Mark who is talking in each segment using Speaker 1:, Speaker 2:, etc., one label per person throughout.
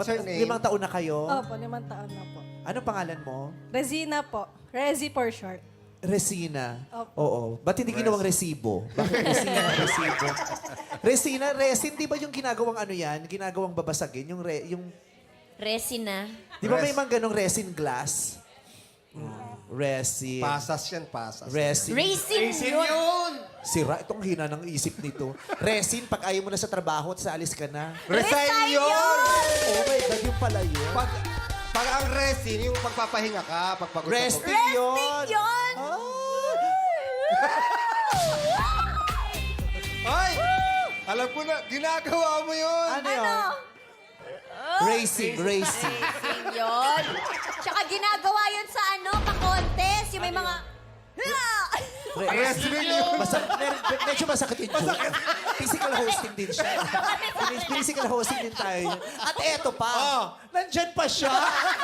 Speaker 1: What's her name?
Speaker 2: 5 taon na kayo?
Speaker 3: Opo, 5 taon na po.
Speaker 2: Anong pangalan mo?
Speaker 3: Resina po. Resi for short.
Speaker 2: Resina.
Speaker 3: Opo.
Speaker 2: Oo. Ba't hindi ginawang resibo? Bakit Resina ang resibo? Resina, resin, di ba yung ginagawang ano yan? Ginagawang babasagin? Yung
Speaker 4: Resina.
Speaker 2: di ba may mga ganong resin glass? Resin.
Speaker 1: Pasas yan, pasas.
Speaker 2: Resin.
Speaker 4: Racing yun.
Speaker 2: Sira, itong hina ng isip nito. Resin, pag ayaw mo na sa trabaho at sa alis ka na.
Speaker 1: Resign yun!
Speaker 2: Oh my God, yung pala yun.
Speaker 1: Pag ang resin, yung pagpapahinga ka, pagpagod
Speaker 2: Resting
Speaker 4: Resting
Speaker 2: yun!
Speaker 4: yun.
Speaker 1: Ay! Alam ko na, ginagawa mo yun!
Speaker 2: Ano yun? Racing.
Speaker 4: Racing yun. Tsaka ginagawa yun sa pa-contest. Yung may mga...
Speaker 1: Wrestling yun!
Speaker 2: Medyo masakit yun. Physical hosting din siya. Physical hosting din tayo. At eto pa, nandyan pa siya.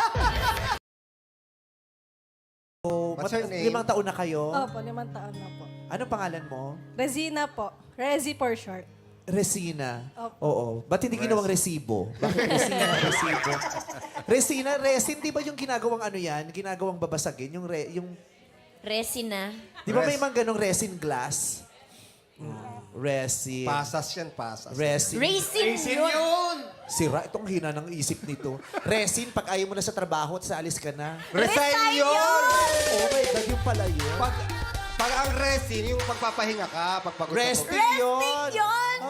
Speaker 1: What's her name?
Speaker 2: 5 taon na kayo?
Speaker 3: Opo, 5 taon na po.
Speaker 2: Anong pangalan mo?
Speaker 3: Resina po. Resi for short.
Speaker 2: Resina.
Speaker 3: Opo.
Speaker 2: Oo. Ba't hindi ginawang resibo? Bakit Resina ang resibo? Resina, resin, di ba yung ginagawang ano yan? Ginagawang babasagin? Yung
Speaker 4: Resina.
Speaker 2: di ba may mga ganong resin glass? Resin.
Speaker 1: Pasas yan, pasas.
Speaker 2: Resin.
Speaker 4: Racing yun.
Speaker 2: Sira, itong hina ng isip nito. Resin, pag ayaw mo na sa trabaho at sa alis ka na.
Speaker 1: Resign yun!
Speaker 2: Oh my God, yung pala yun.
Speaker 1: Pag ang resin, yung pagpapahinga ka, pagpagod
Speaker 2: Resting yun!
Speaker 4: Resting yun.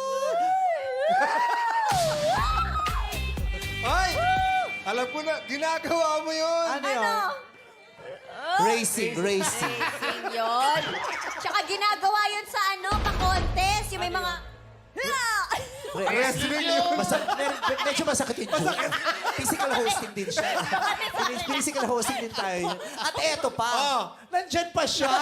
Speaker 1: Ay! Alam ko na, ginagawa mo yun!
Speaker 2: Ano yun? Racing.
Speaker 4: Racing yun. Tsaka ginagawa yun sa pa-contest. Yung may mga...
Speaker 1: Wrestling yun!
Speaker 2: Medyo masakit yun. Physical hosting din siya. Physical hosting din tayo. At eto pa, nandyan pa siya.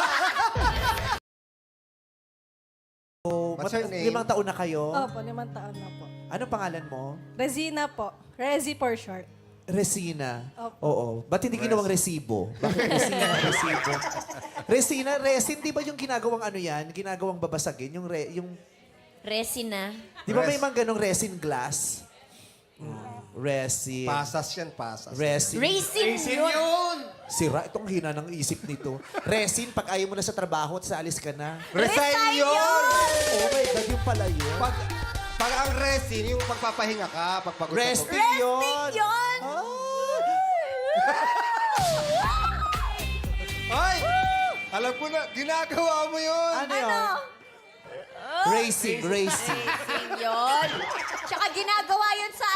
Speaker 1: What's her name?
Speaker 2: 5 taon na kayo?
Speaker 3: Opo, 5 taon na po.
Speaker 2: Anong pangalan mo?
Speaker 3: Resina po. Resi for short.
Speaker 2: Resina.
Speaker 3: Opo.
Speaker 2: Oo. Ba't hindi ginawang resibo? Bakit Resina ang resibo? Resina, resin, di ba yung ginagawang ano yan? Ginagawang babasagin? Yung
Speaker 4: Resina.
Speaker 2: di ba may mga ganong resin glass? Resin.
Speaker 1: Pasas yan, pasas.
Speaker 2: Resin.
Speaker 4: Racing yun.
Speaker 2: Sira, itong hina ng isip nito. Resin, pag ayaw mo na sa trabaho at sa alis ka na.
Speaker 1: Resign yun!
Speaker 2: Oh my God, yung pala yun.
Speaker 1: Pag ang resin, yung pagpapahinga ka, pagpagod
Speaker 2: Resting yun!
Speaker 4: yun.
Speaker 1: Ay! Alam ko na, ginagawa mo yun!
Speaker 2: Ano yun? Racing.
Speaker 4: Racing yun. Tsaka ginagawa yun sa